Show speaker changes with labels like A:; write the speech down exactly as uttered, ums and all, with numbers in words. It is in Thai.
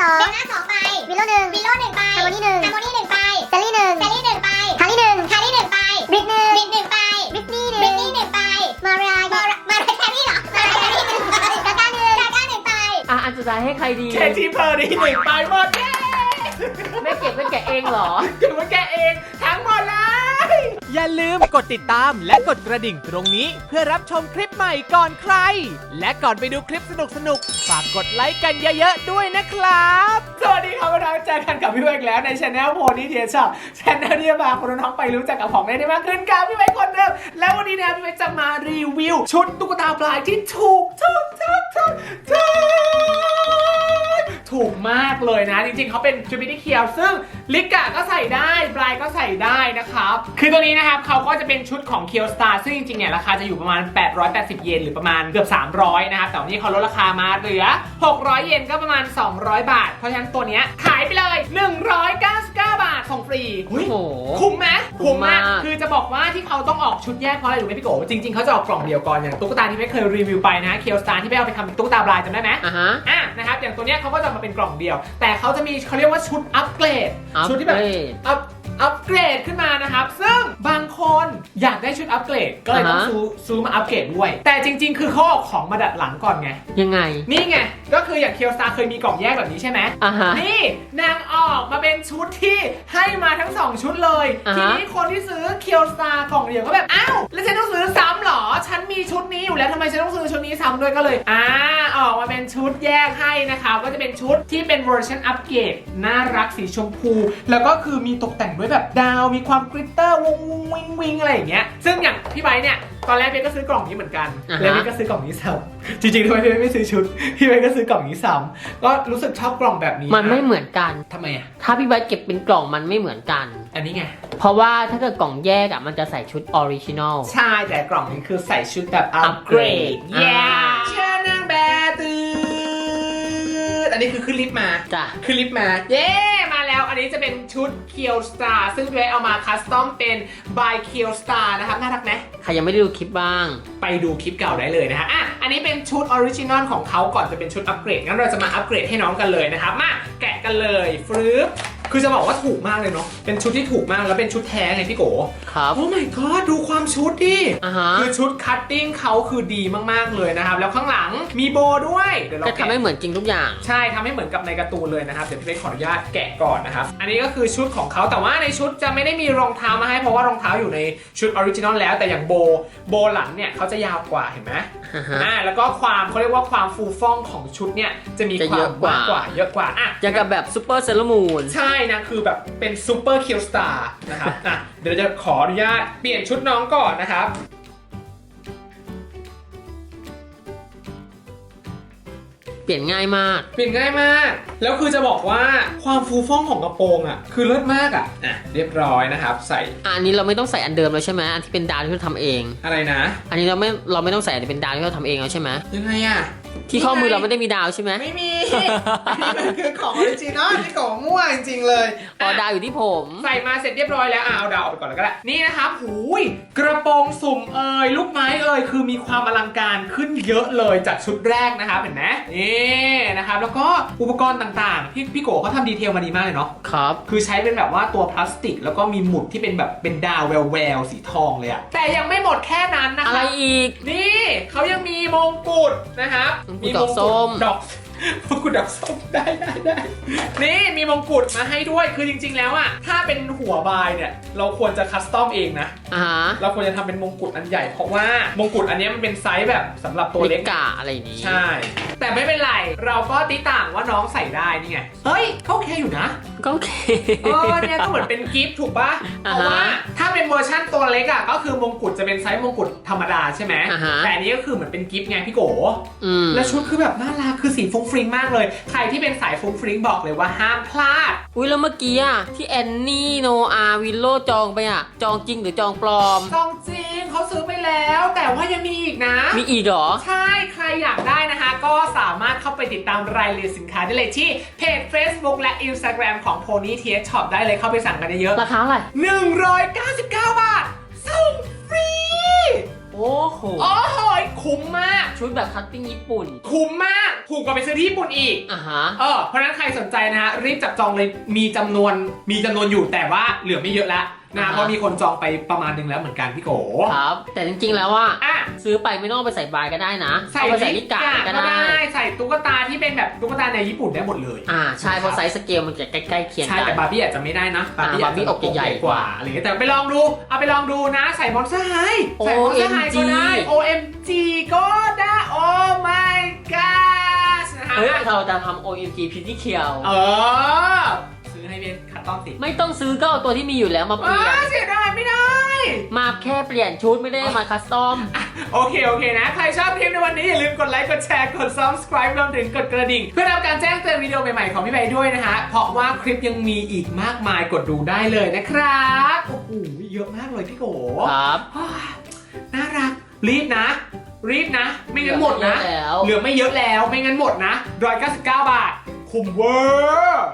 A: องเบลล่าสองใบวิลโล่หนึ่งวิลโล่หนึ่งใบฮาร์โมนีหนึ่งฮาร์โมนีหนึ่งใบเซลลี่หนึ่งเซลลี่หนึ่งใบคารี่หนึ่งคารี่หนึ่งใบบริกหนึ่งบริกหนึ่งใบบริกนี่หนึ่งบริกนี่หนึ่งใบมารายมารายมารายแครี่เหรอมารายแครี่หนึ่งใบกาก้าหนึ่งกาก้าหนึ่งใบ
B: อ่ะอันสุดท้ายให้ใครดี
C: เคที่เพอร์รี่หนึ่งใบหมดเย้
B: ไม่เก็บไม่แกะเองเหรอ
C: เก็บไว้แกเองทั้งหมดเลย
D: อย่าลืมกดติดตามและกดกระดิ่งตรงนี้เพื่อรับชมคลิปใหม่ก่อนใคร และก่อนไปดูคลิปสนุกๆฝากกดไลค์กันเยอะๆด้วยนะครับ
C: สวัสดีครับน้องเจอกันกับพี่เวกแล้วในช anel โพนี่เทียชอบช anel ที่จะพาคนน้องไปรู้จักกับของเล่นได้มากขึ้นกับพี่เวกคนเดิมแล้ววันนี้เนี่ยพี่เวกจะมารีวิวชุดตุ๊กตาปลายที่ถูกถูกถูกถูกถูกถูกมากเลยนะจริงๆเขาเป็นจูบิลี่เคียวซึ่งลิกะก็ใส่ได้ปลายก็ใส่ได้นะครับคือตัวนี้นะครับเขาก็จะเป็นชุดของเคียวสตาร์ซึ่งจริงๆเนี่ยราคาจะอยู่ประมาณแปดร้อยแปดสิบเยนหรือประมาณเกือบสามร้อยนะครับแต่วันนี้เขาลดราคามาเหลือหกร้อยเยนก็ประมาณสองร้อยบาทเพราะฉะนั้นตัวเนี้ยขายไปเลยหนึ่งร้อยเก้าสิบเก้าบาทส่งฟรี
B: โอ้โห
C: คุ้มไหม
B: คุ้มมาก
C: คือจะบอกว่าที่เขาต้องออกชุดแยกเพราะอะไรรู้ไหมพี่โกจริงๆเขาจะออกกล่องเดียวก่อนอย่างตุ๊กตาที่ไม่เคยรีวิวไปนะเคียวสตาร์ที่ไม่เอาไปทำเป็นตุ๊กตาปลายจำได้ไหม
B: อ่ะฮะ
C: อ่ะนะครับอย่างตัวเนี้ยเขาก็จะมาเป็นกล่องเดียว แต่เขาจะมีเขาเรียกว่าชุดอัปเกรด
B: อัปเกรด
C: ชุดที่แบบอัพอัปเกรดขึ้นมานะครับซึ่งบางคนอยากได้ชุดอัปเกรดก็เลยต้อง
B: อ่าฮะ
C: ซื้อซื้อมาอัปเกรดด้วยแต่จริงๆ คือเขาเอาของมาดัดหลังก่อนไง
B: ยังไง
C: นี่ไงก็คืออย่างเคียวสตาร์เคยมีกล่องแยกแบบนี้ใช่ไหม
B: อ่ะฮะ
C: นี่นางออกมาเป็นชุดที่ให้มาทั้งสองชุดเลย
B: อ่า
C: ที
B: ฮะ
C: นี้คนที่ซื้อเคียวสตาร์กล่องเดียวก็แบบอ้าวแล้วฉันต้องซื้อซ้ำเหรอฉันมีชุดนี้อยู่แล้วทำไมฉันต้องซื้อชุดนี้ซ้ำด้วยก็เลยอ่าออกมาเป็นชุดแยกให้นะคะก็จะเป็นชุดที่เป็นเวอร์ชันอัปเกรดน่ารักสีชมพู แล้วก็คือมีตกแต่งด้วยแบบดาวมีความกริตเตอร์วงวงวิงวิงอะไรอย่างเงี้ยซึ่งอย่างพี่ไบร์ทเนี่ยตอนแรกพี่ก็ซื้อกล่องนี้เหมือนกัน
B: อ่าฮะ
C: แล้วพี่ก็ซื้อกล่องนี้ซ้ำจริงๆทำไมพี่ไม่ซื้อชุดพี่ไบร์ทก็ซื้อกล่องนี้ซ้ำก็รู้สึกชอบกล่องแบบนี้
B: มันไม่เหมือนกัน
C: ทำไมอ่ะ
B: ถ้าพี่ไบร์ทเก็บเป็นกล่องมันไม่เหมือนกัน
C: อันนี้ไง
B: เพราะว่าถ้าเกิดกล่องแยกอ่ะมันจะใส่ชุดออริจินอล
C: ใช่แต่กล่องนี้คือใส่ชุดแบบอัปเกรด
B: Upgrade
C: เย้
B: อ่า
C: เชิญนางแบบตืดอันนี้คือขึ้นลิฟต์มา
B: จ้ะ
C: ขึ้นลิฟต์มา เย้ มาแล้ว อันนี้จะเป็นชุดเคียวสตาร์ซึ่งพี่ไว้เอามาคัสตอมเป็น by เคียวสตาร์นะครับ น่ารักไหม
B: ใครยังไม่ได้ดูคลิปบ้าง
C: ไปดูคลิปเก่าได้เลยนะฮะอ่ะอันนี้เป็นชุดออริจินอลของเขาก่อนจะเป็นชุดอัปเกรด งั้นเราจะมาอัปเกรดให้น้องกันเลยนะครับ มาแกะกันเลยฟรึบคือจะบอกว่าถูกมากเลยเนาะ เป็นชุดที่ถูกมากแล้วเป็นชุดแท้ไงพี่โก
B: ครับ
C: โอ้ my god ดูความชุดดิ
B: อ่าฮะ
C: คือชุดคัตติ้งเขาคือดีมากๆเลยนะครับ แล้วข้างหลังมีโบด้วยเดี๋ยวเรา
B: ก็
C: แกะ
B: ทำให้เหมือนจริงทุกอย่าง
C: ใช่ทำให้เหมือนกับในการ์ตูนเลยนะครับ เดี๋ยวพี่เล็กขออนุญาตแกะก่อนนะครับ อันนี้ก็คือชุดของเขาแต่ว่าในชุดจะไม่ได้มีรองเท้ามาให้เพราะว่ารองเท้าอยู่ในชุดออริจินอลแล้วแต่อย่างโบโบหลังเนี่ยเขาจะยาวกว่าเห็นไหม
B: อ่าฮะ
C: อ่าแล้วก็ความเขาเรียกว่าความฟูฟ่องของชุดเนี่ยจะมี
B: จะ
C: ควา
B: เย
C: ม
B: อะกว่า
C: มากกว่าเยอะกว่าอ่ะ
B: อย่างกับแบบซูเปอร์เซเลมูน
C: ใช่นะคือแบบเป็นซูเปอร์คิวสตาร์นะครับอ่ะเดี๋ยวจะขออนุญาตเปลี่ยนชุดน้องก่อนนะครับ
B: เปลี่ยนง่ายมาก
C: เปลี่ยนง่ายมาก แล้วคือจะบอกว่าความฟูฟ่องของกระโปรงอ่ะ คือเลิศมากอ่ะ อ่ะ เรียบร้อยนะครับ ใส่
B: อันนี้เราไม่ต้องใส่อันเดิมแล้วใช่ไหมอันที่เป็นดาวที่เราทำเอง
C: อะไรนะ
B: อันนี้เราไม่เราไม่ต้องใส่อันที่เป็นดาวที่เราทำเองแล้วใช่ไหม
C: ยังไงอ่ะ
B: ที่ข้อมือเราไม่ได้มีดาวใช่ไหม
C: ไม่มี อันนี้มันคือของออริจินอลที่ของมั่วจริงๆเลย
B: อ๋อดาวอยู่ที่ผม
C: ใส่มาเสร็จเรียบร้อยแล้วอ่ะเอาดาวออกไปก่อนแล้วก็ได้ นี่นะครับหูยกระโปรงสุ่มเอ่ยลูกไม้เอ่ยคือมีความอลังการขึ้นเยอะเลยจากชุดแรกนะครับเห็นไหมนี่นะครับแล้วก็อุปกรณ์ต่างๆพี่พี่โกเขาทำดีเทลมาดีมากเลยเนาะ
B: ครับ
C: คือใช้เป็นแบบว่าตัวพลาสติกแล้วก็มีหมุดที่เป็นแบบเป็นดาวแววแววๆสีทองเลยอะแต่ยังไม่หมดแค่นั้นนะค
B: อะไร
C: รับ
B: อีก
C: นี่เขายังมีมงกุฎนะครับ
B: มงกุฎดอกส้ม
C: ดอกมงกุฎดอกส้มได้ได้ได้นี่มีมงกุฎมาให้ด้วยคือจริงๆแล้วอะถ้าเป็นหัวบายเนี่ยเราควรจะคัสตอมเองนะ
B: อ่าฮะ
C: เราควรจะทำเป็นมงกุฎอันใหญ่เพราะว่ามงกุฎอันนี้มันเป็นไซส์แบบสำหรับตัวเล็ก
B: กะอะไรอย่างนี้
C: ใช่ แต่ไม่เป็นไรเราก็ติต่างว่าน้องใส่ได้นี่ไงเฮ้ยก็โอเคอยู่นะ
B: ก็โอเค
C: เออเนี่ยก็เหมือนเป็นกิฟต์ถูกปะเพ
B: อ่าฮะ
C: ราะว่าถ้าเป็นเวอร์ชั่นตัวเล็กอ่ะก็คือมงกุฎจะเป็นไซส์มงกุฎธรรมดาใช่ไหม
B: อ่าฮะ
C: แต่อันนี้ก็คือเหมือนเป็นกิฟต์ไงพี่โก
B: อืม
C: และชุดคือแบบน่ารักคือสีฟุ้งฟริ้งมากเลย ใครที่เป็นสายฟุ้งฟริ้งบอกเลยว่าห้ามพลาด
B: อุ้ยแล้วเมื่อกี้อ่ะที่แอนนี่โนอาวิลโลจองไปอ่ะจองจริงหรือจองปลอม
C: จองจริงเขาซื้อไปแล้ว แต่ว่ายังมีอีกนะ
B: มีอีกเหรอ
C: ใช่ใครอยากได้นะคะ ก็สามารถเข้าไปติดตามรายละเอียดสินค้าได้เลยที่เพจ Facebook และ Instagram ของ Pony ที เอช Shop ได้เลยเข้าไปสั่งกันเยอะ
B: ราคาเท่าไหร่
C: หนึ่งร้อยเก้าสิบเก้าบาทส่งฟรี
B: โอ้โห
C: โอ้โหคคุ้มมาก
B: ชุดแบบคัตติ้งญี่ปุ่น
C: คุ้มมากถูกกว่าไปซื้อที่ญี่ปุ่นอีก
B: อ่ะฮะ
C: เออเพราะฉะนั้นใครสนใจนะฮะรีบจับจองเลยมีจำนวนมีจำนวนอยู่แต่ว่าเหลือไม่เยอะแล้วนะ
B: อ่าฮะ
C: เพราะมีคนจองไปประมาณนึงแล้วเหมือนกันพี่โก
B: ครับ แต่จริงๆแล้วว่า
C: อ่ะ
B: ซื้อไปไม่ต้องเอาไปใส่บายก็ได้นะ
C: ใส่
B: เอาไปใส่ลิกา
C: ลิ
B: ก็
C: ก็
B: ได้
C: ได้ใส่ตุ๊กตาที่เป็นแบบตุ๊กตาในญี่ปุ่นได้หมดเลย
B: อ่าใช่เพราะไซส์สเกลมันจะใกล้ๆเคียง
C: ใช่
B: กั
C: แต่
B: น
C: บาร์บี้อาจจะไม่ได้นะ
B: อ่า
C: อาจจะ
B: บาร์บี้อกใหญ่ๆกว่า
C: อะไรเงี้ยแต่ไปลองดูเอาไปลองดูนะใส่มอนสเตอร์ไฮใส่มอนสเตอร์ไฮก็ได้ โอ เอ็ม จี ก็ได้ โอ้ my god นะฮะ
B: เฮ้ยเราจะทำ โอ เอ็ม จี Pretty Kill
C: เออซื้อให้เป็นคัตตอมสิ
B: ไม่ต้องซื้อก็เอาตัวที่มีอยู่แล้วมาเปลี่ยน
C: อ้าเสียดายไม่ได้
B: มาแค่เปลี่ยนชุดไม่ได้มาคัสตอม
C: โอเค โอเคนะ ใครชอบคลิปในวันนี้อย่าลืมกดไลค์ กดแชร์ กด subscribe รวมถึงกดกระดิ่ง เพื่อรับการแจ้งเตือนวิดีโอใหม่ๆของพี่ใบด้วยนะฮะ เพราะว่าคลิปยังมีอีกมากมายกดดูได้เลยนะครับ โอ้โห เยอะมากเลยพี่โก
B: ครับ
C: อ้าวน่ารัก รีบนะ รีบนะ ไม่งั้นหมดนะ
B: เหลือไม่เยอะแล้ว
C: เหลือไม่เยอะแล้ว ไม่งั้นหมดนะหนึ่งร้อยเก้าสิบเก้าบาท คุ้มเวอร์